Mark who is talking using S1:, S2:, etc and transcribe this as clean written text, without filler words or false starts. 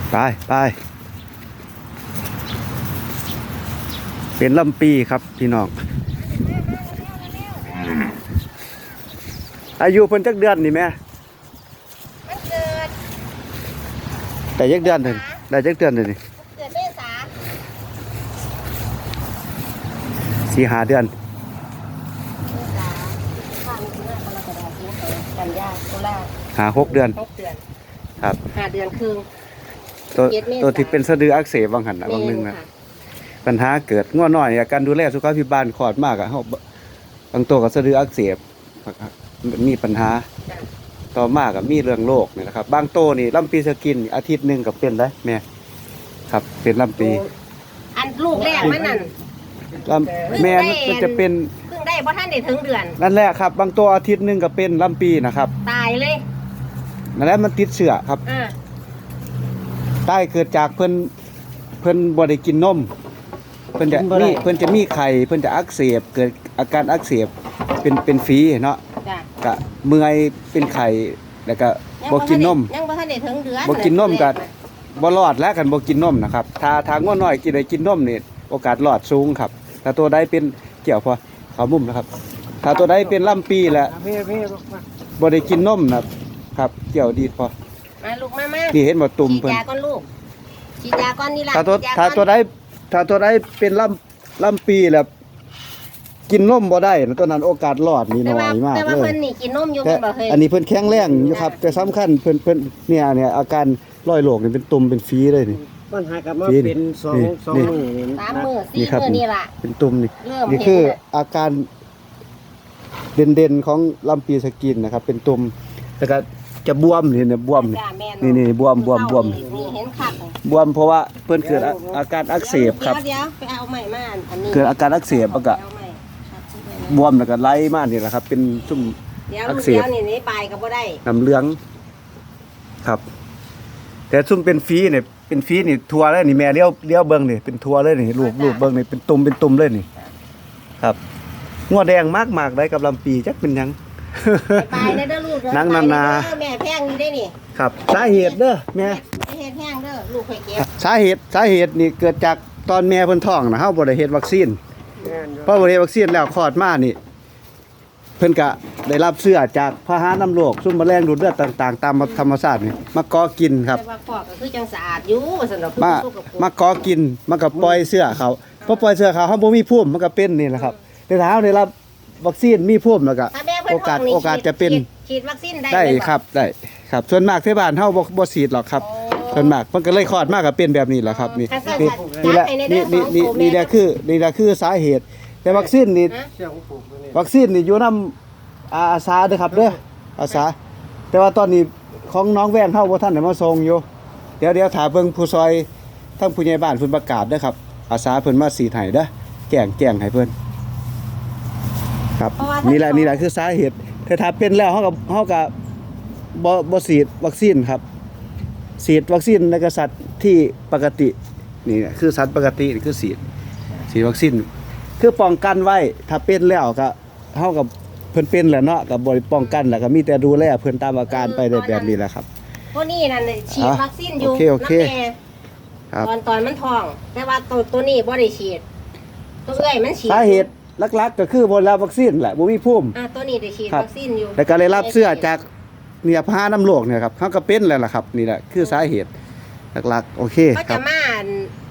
S1: ไปไปเป็นลำปีครับพี่น้องอายุเพิ่นจักเดือนนี่แม่
S2: มันเกิด
S1: แต่จักเดือนนึงได้จักเดือนนึงนี่
S2: เกิดเมษา
S1: 4-5 เดือน
S2: เมษาข้ามมิถุนากรกฎาคมกันยาตุลา
S1: 5-6 เดือน
S2: 6 เดือน
S1: ครับ
S2: 5 เดือนครึ่ง
S1: ตัว
S2: เจ็ดเมษา
S1: ตัวที่เป็นสะดืออักเสบบางหันนะบางนึงนะปัญหาเกิดง่วน้อยเนี่ยการดูแลสุขภาพพิบาลคลอดมากอะเฮาบางตัวก็สะดืออักเสบมีปัญหาต่อมากก็มีเรื่องโรคนี่นะครับบางโตนี่ลำปีสกินอาทิตย์หนึงก็เป็นได้แม่ครับเป็นลำปี
S2: อันลูกแรกมันนั่น
S1: ลำแม่มันจะเป็น
S2: เพิ่งได้เพราะท่านได้ถึงเดือน
S1: นั่นแหละครับบางตัวอาทิตย์หนึงก็เป็นลำปีนะครับ
S2: ตายเลย
S1: นั่นแหละมันติดเชื้อครับ
S2: อ่า
S1: ใต้เกิดจากเพิ่นบ่ได้กินนมเพิ่นจะมีไข้เพิ่นจะอักเสบเกิดอาการอักเสบเป็นฝีเนาะ
S2: จ้ะ
S1: ก็เมื่อยเป็นไข้แล้วก็บ่กินนม
S2: ยังบ่ทันได้ถึงเดือน
S1: บ่กินนมก็บ่รอดแล้วกันบ่กินนมนะครับถ้างัวน้อยกินได้กินนมนี่โอกาสรอดสูงครับถ้าตัวใดเป็นเกี่ยวพอเขามุมนะครับถ้าตัวใดเป็นลำปีแล้วบ่ได้กินนมนะครับเกี่ยวดีพอ
S2: มาลูกมา
S1: นี่เห็นบ่ตุ่ม
S2: ฉีด
S1: เพิ่น
S2: ยาก่อนลูกฉีดยาก่อนนี่ล่ะ
S1: ถ้าตัว
S2: ฉีดย
S1: ถ้า
S2: ก่อน
S1: ตัวใดเป็นลำปีแล้วกินนมบ่ได้นะตัวนั้นโอกาสรอดนี่น้อยมาก
S2: แต่ว่า
S1: เล
S2: เพิ่
S1: ย
S2: นนี่กินนมอยู่
S1: แต่
S2: เพิ่นบ่เคย
S1: อันนี้เพิ่นแข็งแรงอยู่ครับแต่สำคัญเพิ่นเนี่ยอาการร้อยโรคนี่เป็นตุ่มเป็นฝีเลยนี่
S3: ปัญหากับมา
S1: นี่
S3: เป็นสอง
S1: นี่
S3: สอง
S1: นี่
S3: มือนี่
S2: 3 มื้อ
S1: นี่
S2: 4
S1: ครับ
S2: มื้อนี่ล่ะ
S1: เป็นตุ่มนี่
S2: เริ่ม
S1: นี่
S2: เห็น
S1: คือ
S2: แล้ว
S1: อาการเด่นๆของลำปีสกินนะครับ เป็นตุ่มแล้วก็จะบวมนี่เนี่ยบวม
S2: จ้ะแม่
S1: นี่บวม
S2: นี่เห็นคัก
S1: บวมเพราะว่าเพิ่นเกิดอาการอักเสบครับ
S2: เดี๋ยวไปเอาใหม่มาอันนี้
S1: เกิดอาการอักเสบแล้วก็
S2: เอาใหม่ครับ
S1: บวมแล้วก็ไหลมานี่แหละครับ เป็นซุ่ม
S2: เดี๋ยว
S1: อั
S2: ลู
S1: ก
S2: ก
S1: เสบ
S2: เดี๋ยวนี่ไปก็บ่ได้
S1: น้ำเหลืองครับ แต่ซุ่มเป็นฝีเนี่ยเป็นฝีนี่ทัวเลยนี่แม่เลี้ยวเบิ่งนี่เป็นทัวเลยนี่ลูกเบิ่งนี่เป็นตุ่มเลยนี่ ครับงัวแดงมากๆได้กับลำปีจักเป็นหยัง
S2: ไปเด้อลูกเด้อ
S1: นั่ง
S2: ไป
S1: นา
S2: เด้อแม่แพงอยู่ได้นี่
S1: ครับสาเหตุเด้อแม่
S2: เฮ็ดแพงเด้อลูกข่อยเก็บ
S1: สาเหตุนี่เกิดจากตอนแม่เพิ่นท้องนะเฮาบ่ได้เฮ็ดวัคซีนพอบ่ได้เฮ็ดวัคซีนแล้วคลอดมานี่ เพิ่นก็ได้รับเชื้อจากพาหะนำโรคซุ่มแมลงดูดเลือดต่างๆ ตามธรรมชาตินี่มาก่อกินครับ
S2: แต่ว่าฟอกก็คือจังสะอาดอยู่สำหรับผู้
S1: มา
S2: สุขภาพ
S1: มาก่อกินมันก็ปล่อยเชื้อเขาพอปล่อยเชื้อเขาเฮาบ่มีภูมิมันก็เป็นนี่แหละครับแต่ถ้าเฮาได้รับวัคซีนมีภูมิแล้วก็
S2: ถ้าแม่เพิ่น
S1: โอกาส
S2: ท้งนี่
S1: โอกาสจะเป็น
S2: ฉีดวัคซีนได้
S1: ได้
S2: เลย
S1: ครับได้ครับส่วนมากที่บ้านเฮาบ่ฉีดหรอกครับส่วนมากมันก็เลยคลอดมากก็เป็นแบบนี้แหละครับนี่นี่แหละนี่แหละคือสาเหตุ แต่วัคซีนนี่
S3: เชี่ยวของผมนี่
S1: วัคซีนนี่อยู่นำอาสาเด้อครับเด้ออาสาแต่ว่าตอนนี้ของน้องแว่นเฮาบ่ทันได้มาส่งอยู่เดี๋ยวถ้าเบิ่งผู้ซอยทั้งผู้ใหญ่บ้านเพิ่นประกาศเด้อครับอาสาเพิ่นมาฉีดให้เด้อแจ้งให้เพิ่นครับนี่แหละคือสาเหตุแต่ถ้าเป็นแล้วเฮาก็บ่ฉีดวัคซีนครับฉีดวัคซีนในกษัตริย์ที่ปกตินี่คือสัตว์ปกตินี่คือฉีดวัคซีนคือป้องกันไว้ถ้าเป็นแล้วก็เฮากับเพิ่นเป็นแหละเนาะก็บ่ได้ป้องกันแล้วก็มีแต่ดูแลเพิ่นตามอาการไปได้แบบนี้แหละครับ
S2: ตัวนี้นั่นน่ะฉีดวัคซีนอยู่
S1: โอเค
S2: น้ำแม่
S1: ครับ
S2: ตอนมันท้อง แต่ว่าตัวนี้บ่ได้ฉีดตัวเอ้ยมันฉีด
S1: สาเหตุหลักๆก็คือบ่รับวัคซีนแหละบ่มีภูมิ
S2: ตัวนี้ได้ฉีด
S1: ครับ
S2: วัคซีนอยู่
S1: แล้วก็ได้รับเสื้อจากเนี่ยพาน้ำโรคเนี่ยครับเขาก็เป็นแล้วล่ะครับนี่แหละคือสาเหตุหลักๆโอเค
S2: ก็
S1: ครั
S2: จะ
S1: บ
S2: มา